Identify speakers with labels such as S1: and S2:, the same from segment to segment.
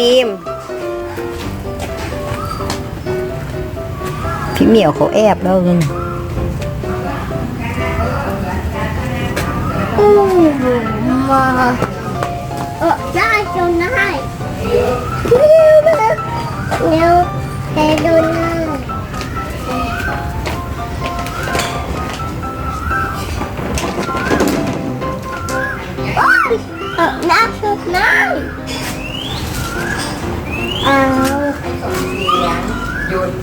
S1: บีมพี่เหมียวเขาแอบแล้วนึง
S2: มาได้จนได้เร็วแต่โดนได้น้ำสุดน้ำเอา
S1: หยุด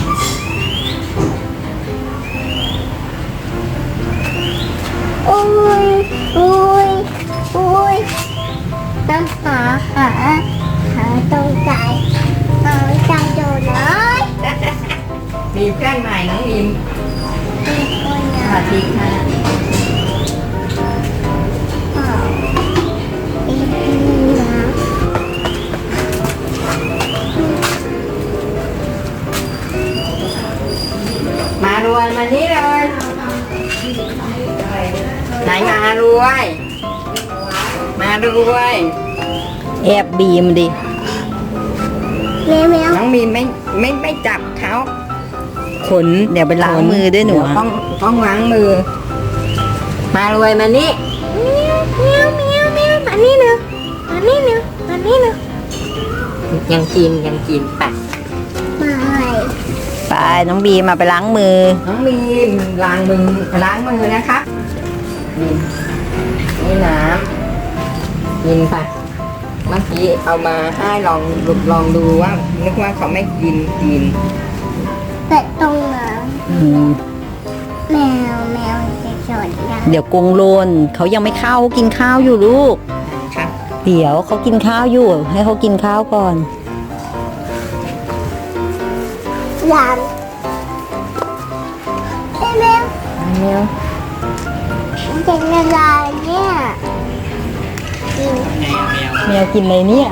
S2: โอ้ยโอ้ยโอ้ยน้ำหาตรงใจโดนเลย
S1: มีเพื่อนใหม่น้องบีมสวัสดีค่ะมารวยมานี่เลยไหนมารวยแอบบีมดิ
S2: แมว
S1: น้องบีมไม่จับเขาขนเดี๋ยวไปล้างมือด้วยหนูต้องล้างมือ มารวยมานี่
S2: มานี่นะ
S1: ยังกินไป
S2: มา
S1: ไปน้องบีมมาไปล้างมือน้องบีมล้างมือนะคะนี่น้ำกินไปเมื่อกี้เอามาให้ลองดูว่านึกว่าเขาไม่กิน
S2: แต่ตรงนั้นแมวจะสอนยัง
S1: เดี๋ยวกงโลนเขายังไม่เข้ากินข้าวอยู่ลูกครับเดี๋ยวเขากินข้าวอยู่ให้เขากินข้าวก่อน
S2: ยังแมวเป็นอะไรเนี่ย
S1: แมวกินอะไรเนี่ย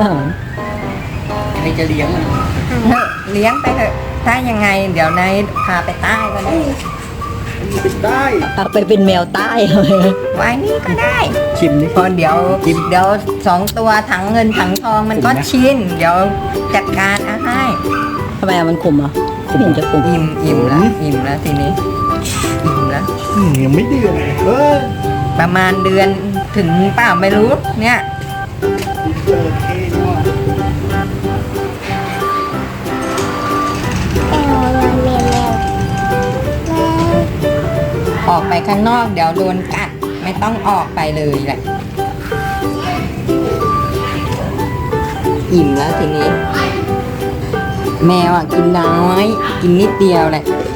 S3: ไม่จะเลี้ยงมัน
S1: เลี้ยงไปเถอะถ้ายังไงเดี๋ยวนายพาไปใต้ก็ได้
S3: ได้
S1: เอาไปเป็นแมวใต้เลยไว้นี่ก็ได้
S3: ชิมนี่
S1: พอเดี๋ยว2 ตัวถังเงินถังทองมันก็ชินเดี๋ยวจัดการเอาให้ทำไมมันขมอ่ะไม่เห็นจะขมอิ่มแล้วทีนี้อิ่มแล้ว
S3: ยังไม่เดือด
S1: ประมาณเดือนถึงเปล่าไม่รู้เนี่ยออกไปข้างนอกเดี๋ยวโดนกัดไม่ต้องออกไปเลยแหละอิ่มแล้วทีนี้แมวอ่ะกินน้อยกินนิดเดียวแหละ